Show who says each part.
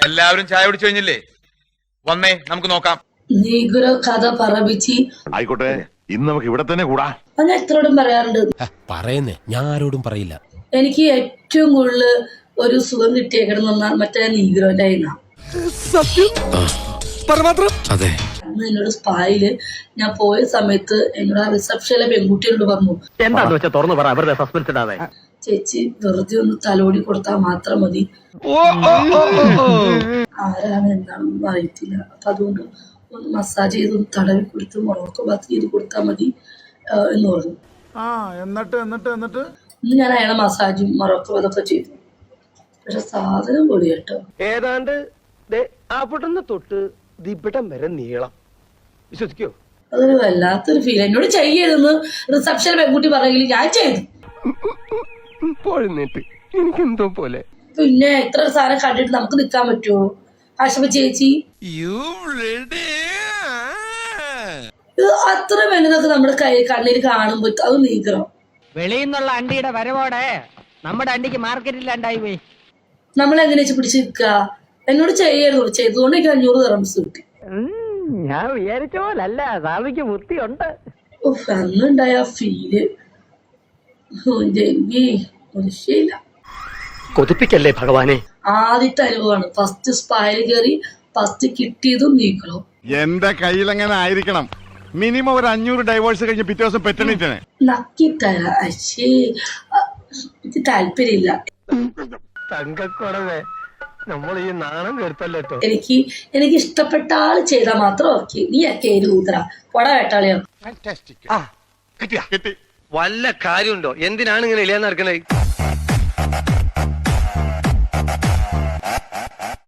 Speaker 1: എല്ലാവരും ചായ കുടിച്ചു കഴിഞ്ഞില്ലേ? വന്നേ നമുക്ക് നോക്കാം.
Speaker 2: നീഗ്രോ കഥ പറപ്പിച്ച്
Speaker 3: ആയിക്കോട്ടെ, ഇന്ന് നമുക്ക് ഇവിടെ തന്നെ കൂടാ.
Speaker 2: ഞാൻ എത്രയോടും പറയാറുണ്ട്.
Speaker 4: പറയുന്നേ, ഞാൻ ആരോടും പറയില്ല.
Speaker 2: എനിക്ക് ഏറ്റവും കൂടുതൽ ഒരു സുഖം കിട്ടിയേക്കണം മറ്റേ നീഗ്രോന്റെ
Speaker 4: അതെ.
Speaker 2: അന്ന് എന്നോട് സ്പായില് ഞാൻ പോയ സമയത്ത് എന്നോട് ആ റിസപ്ഷനിലെ പെൺകുട്ടികളോട് പറഞ്ഞു,
Speaker 5: എന്താന്ന് വെച്ചാൽ തുറന്നു പറ, അവരുടെ സസ്പെൻസ് ഇടാതെ.
Speaker 2: ചേച്ചി വെറുതെ ഒന്ന് തലോടി കൊടുത്താൽ മാത്രം മതി, ആരാണ് എന്താണെന്നൊന്നും അറിയത്തില്ല, അപ്പൊ അതുകൊണ്ട് ഒന്ന് മസാജ് ചെയ്ത് ഒന്ന് തടവി കൊടുത്ത് മുറൊക്കെ ബാത്ത് ചെയ്ത് കൊടുത്താൽ മതി എന്ന് പറഞ്ഞു. ഇന്ന് ഞാൻ അയാളെ മസാജും മുറക്കും അതൊക്കെ ചെയ്തു. പക്ഷെ സാധനം പൊളി കേട്ടോ.
Speaker 5: ഏതാണ്ട് അവിടുന്ന് തൊട്ട് ദിപിടം വരെ നീളം. വിശ്വസിക്കോ?
Speaker 2: അതൊരു വല്ലാത്തൊരു ഫീൽ. എന്നോട് ചെയ്യരുതെന്ന് റിസപ്ഷൻ പെൺകുട്ടി പറയെങ്കിൽ ഞാൻ ചെയ്തു.
Speaker 5: എനിക്കെന്തോ പോലെ.
Speaker 2: പിന്നെ ഇത്ര സാധനം കണ്ടിട്ട് നമുക്ക് നിക്കാൻ പറ്റുമോ? ആശുപ ചേച്ചി ഇത് അത്ര വലുതൊക്കെ നമ്മുടെ കണ്ണിൽ കാണുമ്പോ അത് നീക്കണം.
Speaker 6: വെളിയിൽ നിന്നുള്ള അണ്ടിയുടെ വരവോടെ നമ്മുടെ അണ്ടിക്ക് മാർക്കറ്റില്ലാണ്ടായി പോയി.
Speaker 2: നമ്മളെങ്ങനെ വെച്ച് പിടിച്ച് നിൽക്കുക? എന്നോട് ചെയ്യരുത്. ചെയ്തുകൊണ്ട് എനിക്ക് 500 ദിർഹംസ് കിട്ടി.
Speaker 6: ഞാൻ വിചാരിച്ച പോലല്ല, സ്വാമിക്ക് ബുദ്ധിയുണ്ട്.
Speaker 2: അന്നുണ്ടായ ഫീല് ശരിയില്ല.
Speaker 5: കൊതിപ്പിക്കല്ലേ ഭഗവാനെ.
Speaker 2: ആദ്യത്തെ അനുഭവമാണ്. ഫസ്റ്റ് സ്പായിൽ കയറി ഫസ്റ്റ് കിട്ടിയതും നീക്കണം.
Speaker 3: എന്റെ കയ്യിലെങ്ങനെ ആയിരിക്കണം? മിനിമം ഒരു 500 ഡൈവേഴ്സ് കഴിഞ്ഞ് പിറ്റേ ദിവസം പെറ്റണിട്ടാണ്
Speaker 2: നക്കിത്തര. അശ്ശേ, എനിക്ക് താല്പര്യമില്ല.
Speaker 5: തങ്കക്കുറവേ, നമ്മൾ ഈ നാണം കേട്ടല്ലോ.
Speaker 2: എനിക്ക് ഇഷ്ടപ്പെട്ട ആള് ചെയ്താൽ മാത്രം ഓക്കെ. നീ കേരി ഊതറ പൊട വേട്ടാളിയോ.
Speaker 3: കിട്ടി.
Speaker 5: വല്ല കാര്യമുണ്ടോ? എന്തിനാണ് ഇങ്ങനെ ഇല്ലാന്ന് നടക്കണേ?